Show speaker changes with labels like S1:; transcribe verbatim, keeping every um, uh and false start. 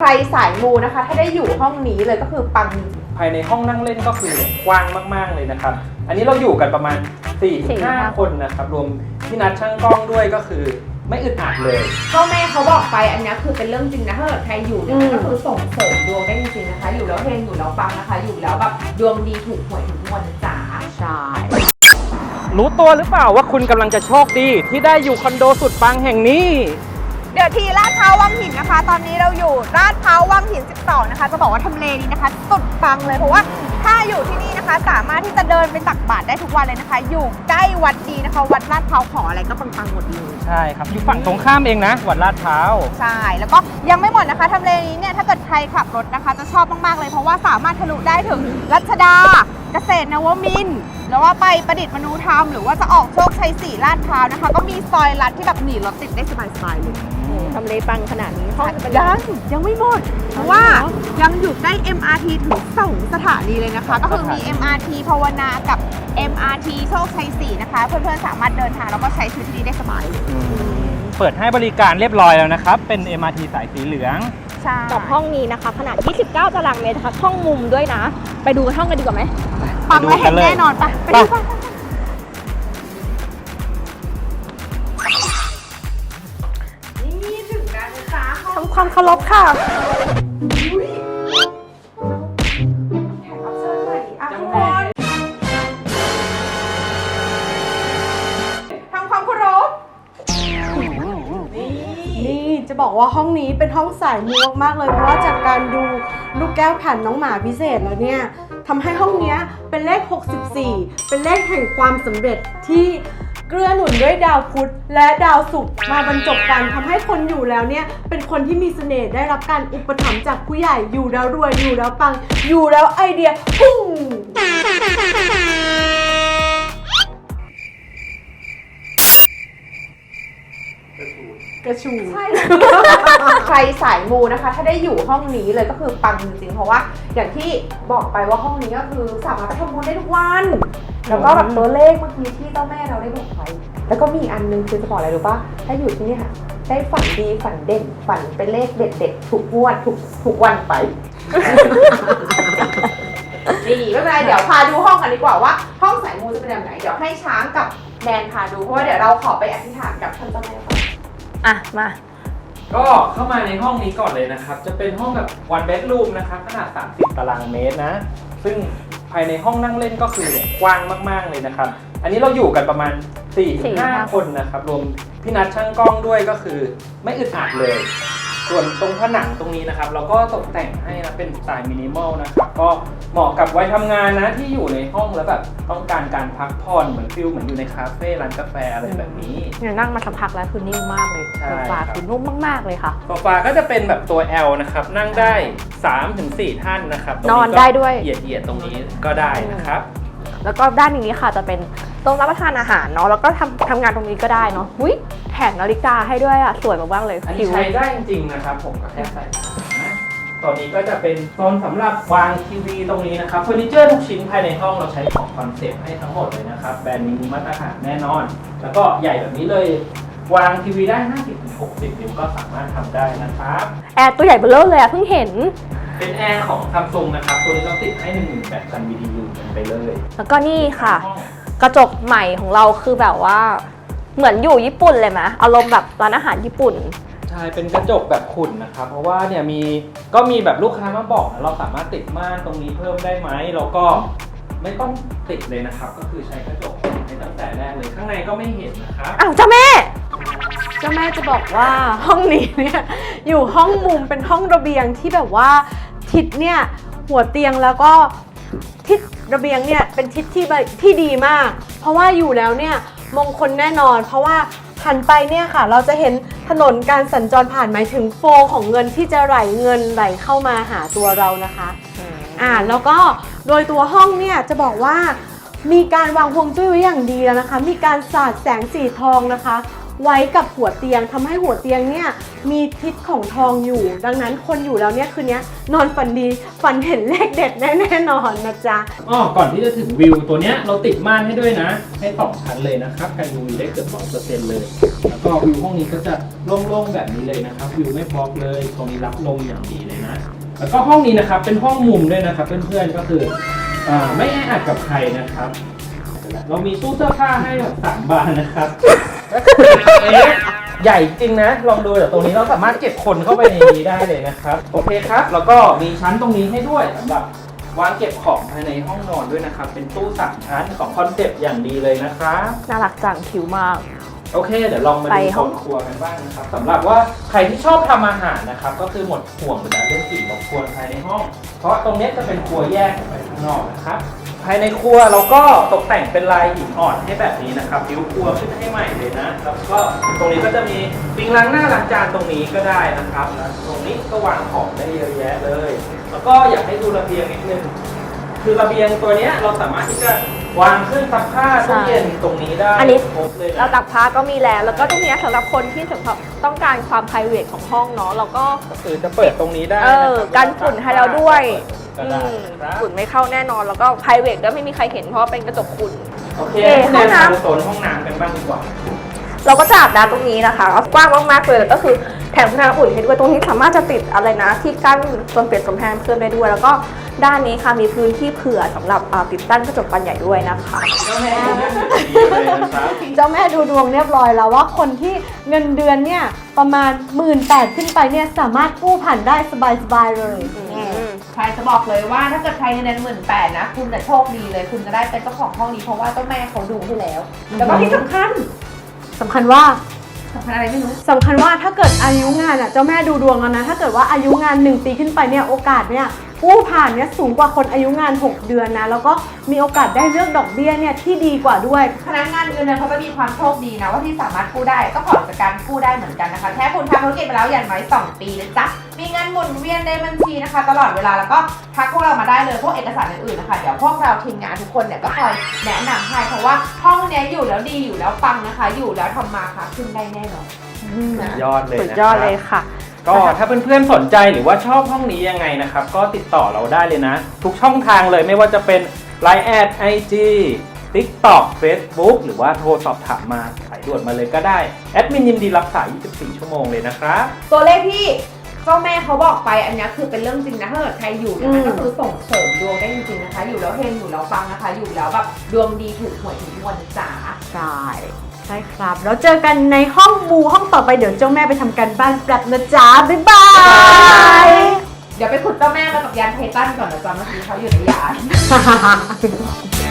S1: รสายมูนะคะถ้าได้อยู่ห้องนี้เลยก็คือปัง
S2: ภายในห้องนั่งเล่นก็คือกว้างมากๆเลยนะครับอันนี้เราอยู่กันประมาณ สี่ถึงห้า คนนะครับรวมพี่นัดช่างกล้องด้วยก็คือไม่อึดอัดเลย
S1: ก็แม่เขาบอกไปอันนี้คือเป็นเรื่องจริงนะถ้าเกิดใครอยู่เนี่ยก็คือส่งเสริมดวงได้จริงๆนะคะอยู่แล้วเฮงอยู่แล้วปังนะคะอยู่แล้วแบบดวงดีถูกหวยถูกงวดจ๋า
S3: ใช่
S2: รู้ตัวหรือเปล่าว่าคุณกำลังจะโชคดีที่ได้อยู่คอนโดสุดปังแห่งนี้
S3: เดี๋ยวทีลาดพร้าววังหินนะคะตอนนี้เราอยู่ลาดพร้าววังหินสิบสองนะคะจะบอกว่าทำเลนี้นะคะสุดปังเลยเพราะว่าถ้าอยู่ที่นี่นะคะสามารถที่จะเดินไปตักบาตรได้ทุกวันเลยนะคะอยู่ใกล้วัดดีนะคะวัดลาดพร้าวขออะไรก็ปังๆหมดเลย
S2: ใช่ครับอยู่ฝั่งตรงข้ามเองนะวัดลาดพร้าว
S3: ใช่แล้วก็ยังไม่หมดนะคะทำเลนี้เนี่ยถ้าเกิดใครขับรถนะคะจะชอบมากๆเลยเพราะว่าสามารถทะลุได้ถึงรัชดาเกษตรนวมินทร์แล้วว่าไปประดิษฐ์มนูธรรมหรือว่าจะออกโชคชัยสี่ลาดพร้าวนะคะก็มีซอยลัดที่แบบหนีรถติดได้สบายๆเลย
S4: ทำเลปังขนาดนี้ห้อง
S3: ยังยังไม่หมดเพราะว่ายังอยู่ใกล้ เอ็ม อาร์ ที ถึงสองสถานีเลยนะคะก็คือมี เอ็ม อาร์ ที ภาวนากับ เอ็ม อาร์ ที โชคชัยสี่นะคะเพื่อนๆสามารถเดินทางแล้วก็ใช้ชีวิตที่นี่ได้สบายเลย
S2: เปิดให้บริการเรียบร้อยแล้วนะครับเป็น เอ็ม อาร์ ที สายสีเหลือง
S4: กับห้องนี้นะคะขนาดยี่สิบเก้าตารางเมตรนะคะห้องมุมด้วยนะไปดูห้องกันดีกว่าไหม
S3: ปังและเห็นแน่นอนปะไปดูกัน
S4: ทำความเคารพค่ะ
S3: ทำความเคารพ
S1: นี่จะบอกว่าห้องนี้เป็นห้องสายมูมากๆเลยเพราะว่าจากการดูลูกแก้วแผ่นน้องหมาพิเศษแล้วเนี่ยทำให้ห้องนี้เป็นเลขหกสิบสี่เป็นเลขแห่งความสำเร็จที่เกื้อหนุนด้วยดาวพุธและดาวศุกร์มาบรรจบกันทำให้คนอยู่แล้วเนี่ยเป็นคนที่มีเสน่ห์ได้รับการอุปถัมภ์จากผู้ใหญ่อยู่แล้วรวยอยู่แล้วปังอยู่แล้วไอเดียพุ่งกระชูใช่ใครสายมูนะคะถ้าได้อยู่ห้องนี้เลยก็คือปังจริงๆเพราะว่าอย่างที่บอกไปว่าห้องนี้ก็คือสามารถไปทำบุญได้ทุกวันแล้วก็แบบตัวเลขเมื่อกี้ที่เจ้าแม่เราได้บอกไว้แล้วก็มีอันนึงคือจะบอกอะไรรู้ป่ะถ้าอยู่ที่นี่ค่ะได้ฝันดีฝันเด่นฝันเป็นเลขเด็ดๆทุกงวดทุกทุกวันไปดีไม่เป็นไรเดี๋ยวพาดูห้องกันดีกว่าว่าห้องสายมูจะเป็นแบบไหนเดี๋ยวให้ช้างกับแนนพาดูเพราะว่าเดี๋ยวเราขอไปอธิษฐานกับท่านเจ้าแม่ก่อน
S4: อ่ะมา
S2: ก็เข้ามาในห้องนี้ก่อนเลยนะครับจะเป็นห้องแบบ one bedroom นะครับขนาดสามสิบตารางเมตรนะซึ่งภายในห้องนั่งเล่นก็คือกว้างมากๆเลยนะครับอันนี้เราอยู่กันประมาณ สี่ถึงห้า คนนะครับรวมพี่นัดช่างกล้องด้วยก็คือไม่อึดอัดเลยส่วนตรงผนังตรงนี้นะครับเราก็ตกแต่งให้นะเป็นสไตล์มินิมอลนะครับก็เหมาะกับวัยทำงานนะที่อยู่ในห้องแล้วแบบต้องการการพักผ่อนเหมือนฟิลเหมือนอยู่ในคาเฟ่ร้านกาแฟอะไรแบบนี้
S4: เนี่ยนั่งมาสักพักแล้วคือนิ่มมากเลยโซฟาคือนุ่มมากๆเลยค่ะ
S2: โซฟาก็จะเป็นแบบตัว L นะครับนั่งได้ สามถึงสี่ ท่านนะครับ
S4: นอนได้ด้วย
S2: เหยียดๆตรงนี้ก็ได้นะครับ
S4: แล้วก็ด้านนี้ค่ะจะเป็นโต๊ะรับประทานอาหารเนาะแล้วก็ทำทำงานตรงนี้ก็ได้เนาะอุ้ยแถมนาฬิกาให้ด้วยอ่ะสวยมากๆเลย
S2: อันนี้ใช้ได้จริงๆนะครับผมก็แค่ใส่นะตอนนี้ก็จะเป็นโซนสำหรับวางทีวีตรงนี้นะครับเฟอร์นิเจอร์ทุกชิ้นภายในห้องเราใช้ของคอนเซ็ปต์ให้ทั้งหมดเลยนะครับแบรนด์นี้มาตรฐานแน่นอนแล้วก็ใหญ่แบบนี้เลยวางทีวีได้ ห้าสิบถึงหกสิบ นิ้วก็สามารถทำได้นะครับ
S4: แอร์ตัวใหญ่เบ้อเร่อเลยอ่ะเพิ่งเห็น
S2: เป็นแอร์ของ Samsung นะครับตัวนี้เราติดให้ หนึ่งหมื่นแปดพัน บี ที ยู กันไปเลย
S4: แล้วก็นี่ค่ะกระจกใหม่ของเราคือแบบว่าเหมือนอยู่ญี่ปุ่นเลยไหมอารมณ์แบบร้านอาหารญี่ปุ่น
S2: ใช่เป็นกระจกแบบขุ่นนะครับเพราะว่าเนี่ยมีก็มีแบบลูกค้ามาบอกนะเราสามารถติดม่านตรงนี้เพิ่มได้ไหมแล้วก็ไม่ต้องติดเลยนะครับก็คือใช้กระจกในตั้งแต่แรกเลยข้างในก็ไม่เห็นนะครับ
S4: อ้าวเจ้าแม่
S1: เจ้าแม่จะบอกว่าห้องนี้เนี่ยอยู่ห้องมุมเป็นห้องระเบียงที่แบบว่าทิศเนี่ยหัวเตียงแล้วก็ทิศระเบียงเนี่ยเป็นทิศที่ที่ดีมากเพราะว่าอยู่แล้วเนี่ยมงคลแน่นอนเพราะว่าหันไปเนี่ยค่ะเราจะเห็นถนนการสัญจรผ่านหมายถึงโฟลของเงินที่จะไหลเงินไหลเข้ามาหาตัวเรานะคะอ่าแล้วก็โดยตัวห้องเนี่ยจะบอกว่ามีการวางฮวงจุ้ยไว้อย่างดีแล้วนะคะมีการสาดแสงสีทองนะคะไว้กับหัวเตียงทำให้หัวเตียงเนี่ยมีทิศของทองอยู่ ดังนั้นคนอยู่แล้วเนี่ยคืนนี้นอนฝันดีฝันเห็นเลขเด็ดแน่ๆนอนนะจ๊ะ
S2: อ๋อก่อนที่จะถึงวิวตัวเนี้ยเราติดม่านให้ด้วยนะ ให้สองชั้นเลยนะครับกัน ยู วี ได้เกือบร้อยเปอร์เซ็นต์เลย แล้วก็วิวห้องนี้ก็จะโล่งๆแบบนี้เลยนะครับวิวไม่บล็อกเลยตรงนี้รับลมอย่างดีเลยนะ แล้วก็ห้องนี้นะครับเป็นห้องมุมด้วยนะครับเพื่อนๆก็คืออ่าไม่แออัดกับใครนะครับ เรามีตู้เสื้อผ้าให้แบบสามบานนะครับ ใหญ่จริงนะลองดูเดี๋ยวตรงนี้เราสามารถเก็บคนเข้าไปในนี้ได้เลยนะครับโอเคครับแล้วก็มีชั้นตรงนี้ให้ด้วยสำหรับวางเก็บของภายในห้องนอนด้วยนะครับเป็นตู้สามชั้นของคอนเซ็ปต์อย่างดีเลยนะครับ
S4: น่ารักจังคิ้วมาก
S2: โอเคเดี๋ยวลองมา
S4: ไป
S2: ดู
S4: ห้
S2: ห้
S4: อ
S2: อง งครัวกันบ้างนะครับสำหรับว่าใครที่ชอบทำอาหารนะครับก็คือหมดห่วงไปแล้วเรื่องกลิ่นรบกวนภายในห้อง เพราะตรงนี้จะเป็นครัวแยกออกไปข้างนอกนะครับภายในครัวเราก็ตกแต่งเป็นลายหินอ่อนให้แบบนี้นะครับผิวครัวขึ้นให้ใหม่เลยนะแล้วก็ตรงนี้ก็จะมีปิงล้างหน้าล้างจานตรงนี้ก็ได้นะครับแล้วตรงนี้ก็วางของได้เยอะแยะเลย แล้วก็อยากให้ดูระเบียงนิดนึงคือระเบียงตัวเนี้ยเราสามารถที่จะวางเครื่องซักผ้าตู้เย็นตรงนี้ได้
S4: อันนี้
S2: ครบเลยนะ
S4: เราตักผ้าก็มีแล้ว แล้วก็ตรงเนี้ยสำหรับคนที่สำหรับต้องการความ ไพรเวท ของห้องเนาะเราก็
S2: ก็คือจะเปิดตรงนี้ได้
S4: เออ
S2: นะครับ
S4: กันฝุ่นให้เราด้วย
S2: ก็ได้
S4: อืม
S2: ครับ
S4: ฝุ่นไม่เข้าแน่นอนแล้วก็ ไพรเวท ด้วยไม่มีใครเห็นเพราะว่าเป็นกระจกฝุ่น
S2: โอเค
S4: เอ่อ
S2: ห้อง
S4: ห้องน้ำ
S2: น้ำโซนห้องน้ำกันบ้างดีกว่า
S4: เราก็จะอาบน้ำตรงนี้นะคะกว้างมากๆเลยแล้วก็คือแถมคุณภาพอุ่นให้ด้วยตรงนี้สามารถจะติดอะไรนะที่กั้นโซนเปลี่ยนกำแพงเพิ่มได้ด้วย แล้วก็ด้านนี้ค่ะมีพื้นที่เผื่อสำหรับอ่าติดตั้งกระจกบานใหญ่ด้วยนะคะ
S2: เจ้าแม่ดูเรื่องดีเลยนะครับ
S1: เจ้าแม่ดูดวงเรียบร้อยแล้วว่าคนที่เงินเดือนเนี่ยประมาณหมื่นแปดขึ้นไปเนี่ยสามารถกู้ผ่านได้สบายๆเลย
S3: ใครจะบอกเลยว่าถ้าเกิดใครเงินเดือนหมื่นแปดนะคุณจะโชคดีเลย คุณจะได้เป็นเจ้าของห้องนี้เพราะว่าเจ้าแม่เขาดูให้แล้ว แล้วก็ที่สำคัญ
S1: สำคัญว่า
S3: สำคัญอะไรไม่รู้
S1: สำคัญว่าถ้าเกิดอายุงานอ่ะเจ้าแม่ดูดวงแล้วนะถ้าเกิดว่าอายุงานหนึ่งปีขึ้นไปเนี่ยโอกาสเนี่ยกู้ผ่านเนี่ยสูงกว่าคนอายุงานหกเดือนนะแล้วก็มีโอกาสได้เลือกดอกเบี้ยเนี่ยที่ดีกว่าด้วย
S3: พนักงานเงินเดือนเขาจะมีความโชคดีนะว่าที่สามารถกู้ได้ก็ผ่อนจากการกู้ได้เหมือนกันนะคะแค่คุณทำธุรกิจไปแล้วอย่างน้อยสองปีนะจ๊ะมีเงินหมุนเวียนในบัญชีนะคะ ตลอดเวลาแล้วก็ทักพวกเรามาได้เลยพวกเอกสารอื่นๆนะคะเดี๋ยวพวกเราทีมงานทุกคนเนี่ยก็คอยแนะนำให้เพราะว่าห้องเนี้ยอยู่แล้วดีอยู่แล้วปังนะคะ อยู่แล้วทำมาค่ะขึ้นได้แน่นอน
S2: ยอดเลย
S4: สุด
S2: นะ
S4: ยอดเลยค่ะ
S2: ก็ถ้าเพื่อนๆสนใจหรือว่าชอบห้องนี้ยังไงนะครับ ก็ติดต่อเราได้เลยนะ ทุกช่องทางเลยไม่ว่าจะเป็น ไลน์ แอด ไอ จี TikTok Facebook หรือว่าโทรสอบถามมาสายด่วนมาเลยก็ได้ แอดมินยินดีรับสาย ยี่สิบสี่ ชั่วโมงเลยนะครับ
S3: ตัวเลขที่เจ้าแม่เขาบอกไปอันนี้คือเป็นเรื่องจริงนะถ้าเกิดใครอยู่เนี่ยมันก็คือส่งเสริมดวงได้จริงๆนะคะ อยู่แล้วเฮงอยู่แล้วปังนะคะ อยู่แล้วแบบดวงดีถูกหวยถูกงวดนะจ๋า
S1: ใช่ใช่ครับแล้วเจอกันในห้องมูห้องต่อไปเดี๋ยวเจ้าแม่ไปทำการบ้านแป๊บนะจ๊ะบ๊ายบาย
S3: เดี๋ยวไปขุดเจ้าแม่มากับยานไททันก่อนนะจ๊ะเมื่อกี้เขาอยู่ในยาน
S1: ฮ่าฮ่าฮ่า